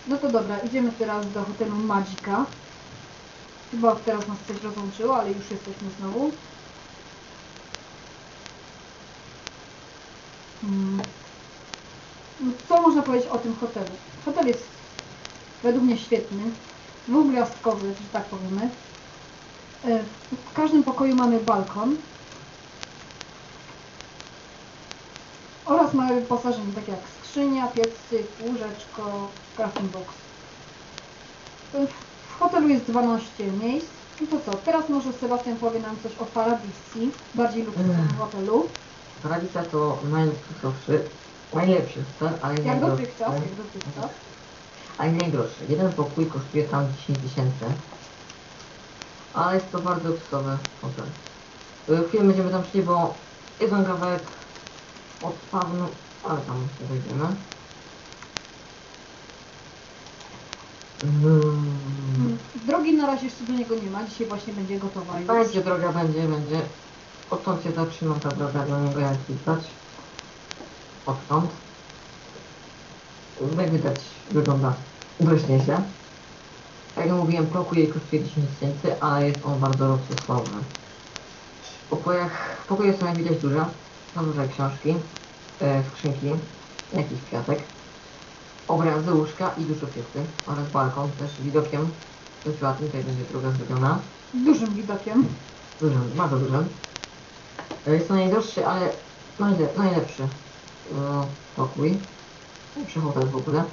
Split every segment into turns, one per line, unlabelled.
No to dobra, idziemy teraz do hotelu Magica. Chyba teraz nas coś rozłączyło, ale już jesteśmy znowu. No, co można powiedzieć o tym hotelu? Hotel jest według mnie świetny, dwugwiazdkowy, że tak powiemy. W każdym pokoju mamy balkon oraz małe wyposażenie, takie jak skrzynia, piecyk, łóżeczko, crafting box. W hotelu jest 12 miejsc. I to co? Teraz może Sebastian powie nam coś o Paradisi, bardziej luksusowym hotelu.
Paradisa to najlepszy hotel, ale nie
Jak
najdroższy.
dotychczas.
Ale nie najdroższy. Jeden pokój kosztuje tam 10 000. Ale jest to bardzo luksusowy hotel. Chwilę będziemy tam szli, bo jeden kawałek od spawnu, ale tam nie wejdziemy.
Drogi na razie jeszcze do niego nie ma, dzisiaj właśnie będzie gotowa już.
Będzie droga, będzie. Odtąd się zaczyna ta droga do niego, jak widać. Odtąd. Jak widać, wygląda dość nieźle. Jak mówiłem, pokój kosztuje 10 000, ale jest on bardzo luksusowy. Pokoje są jak widać duże. Są duże książki, skrzynki, jakiś kwiatek, obrazy, łóżka i dużo piechy oraz balkon też widokiem dość ładny, tutaj będzie druga zrobiona.
Dużym widokiem.
Dużym, bardzo dużym. Jest to najdroższy, ale najlepszy pokój. Najlepszy hotel w ogóle.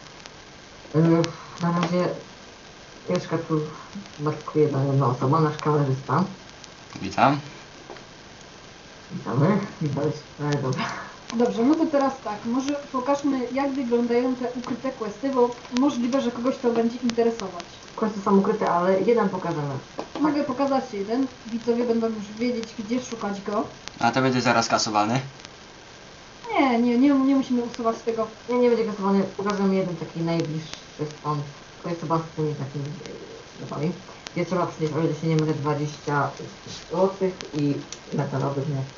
Na razie mieszka tu tylko jedna osoba, nasz kamerzysta.
Witam.
Witamy. Widać, ale dobra.
Dobrze, no to teraz tak, może pokażmy jak wyglądają te ukryte questy, bo możliwe, że kogoś to będzie interesować.
Questy są ukryte, ale jeden pokażemy.
Mogę pokazać jeden, widzowie będą już wiedzieć, gdzie szukać go.
A to będzie zaraz kasowany.
Nie musimy usuwać tego.
Nie będzie kasowany, pokażemy jeden taki najbliższy stąd. To jest chyba z tymi takimi sklepami. Gdzie trzeba przynieść, o ile się nie mylę, 20 zł i metalowych nie.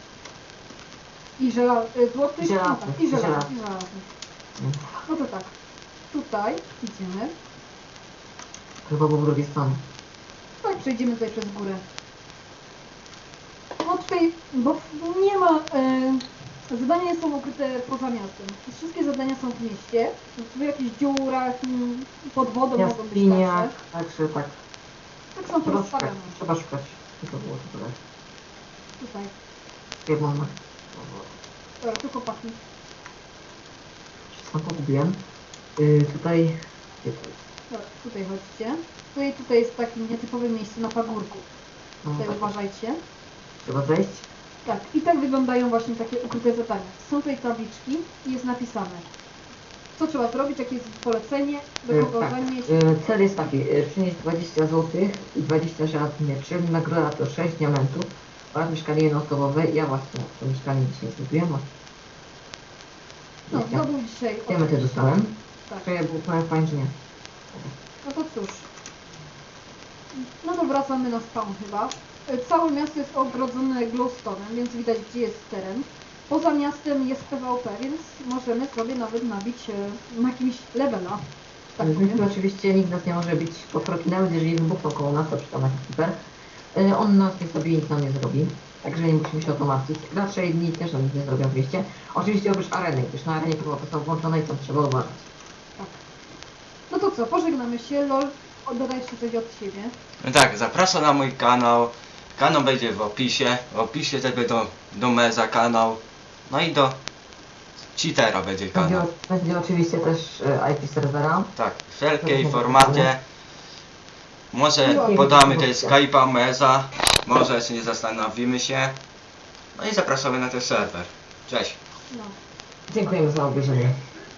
I złotych?
I żelaznych.
No tak, i żelaznych.
Mm.
No to tak, tutaj idziemy.
Chyba po drugiej stronie.
Tak, przejdziemy tutaj przez górę. No tutaj, bo nie ma... zadania są ukryte poza miastem. Wszystkie zadania są w mieście. W jakichś dziurach, pod wodą mogą być
Jaskiniach,
także.
także tak.
Tak są
Trzeba szukać,
rozstawione.
trzeba szukać. Tylko było to tyle.
Tutaj.
Jedną na...
Dobra, tu chłopaki.
Wszystko pogubiłem. Tutaj... Gdzie to jest?
Dobra, tutaj chodźcie. Tutaj jest takie nietypowe miejsce na pagórku.
No,
Tutaj
tak.
uważajcie.
Trzeba zejść.
Tak, i tak wyglądają właśnie takie ukryte zadania. Są tutaj tabliczki i jest napisane, co trzeba zrobić, jakie jest polecenie, do kogo
Tak.
zanieść.
Cel jest taki, przynieść 20 zł i 20 żelaznych mieczy, nagroda to 6 diamentów oraz mieszkanie jednoosobowe. Ja właśnie to mieszkanie dzisiaj zrobiłem.
No, zdobył dzisiaj
Diamenty dostałem.
Tak.
To ja był fajnie, że nie.
No to cóż. No to wracamy na spawn chyba. Całe miasto jest ogrodzone glowstone'em, więc widać gdzie jest teren. Poza miastem jest PvP, więc możemy sobie nawet nabić na jakimś levela. Tak powiem.
Oczywiście nikt nas nie może bić po kroki, nawet jeżeli wybuchną koło nas, to przy tam jakiś hiper. On nas nie sobie nic nam nie zrobi. Także nie musimy się o to martwić. Raczej nikt też nam nic nie zrobią w mieście. Oczywiście oprócz areny, gdyż na arenie PvP są włączone i tam trzeba uważać.
Tak. No to co, pożegnamy się. LOL, oddaj jeszcze coś od siebie.
No tak, zapraszam na mój kanał. Kanał będzie w opisie. W opisie też do Meza kanał. No i do Cheatera będzie kanał.
Będzie oczywiście też IP serwera.
Tak, wszelkie informacje. Może podamy też Skype'a Meza. Może jeszcze nie zastanowimy się. No i zapraszamy na ten serwer. Cześć.
No.
Dziękujemy za obejrzenie.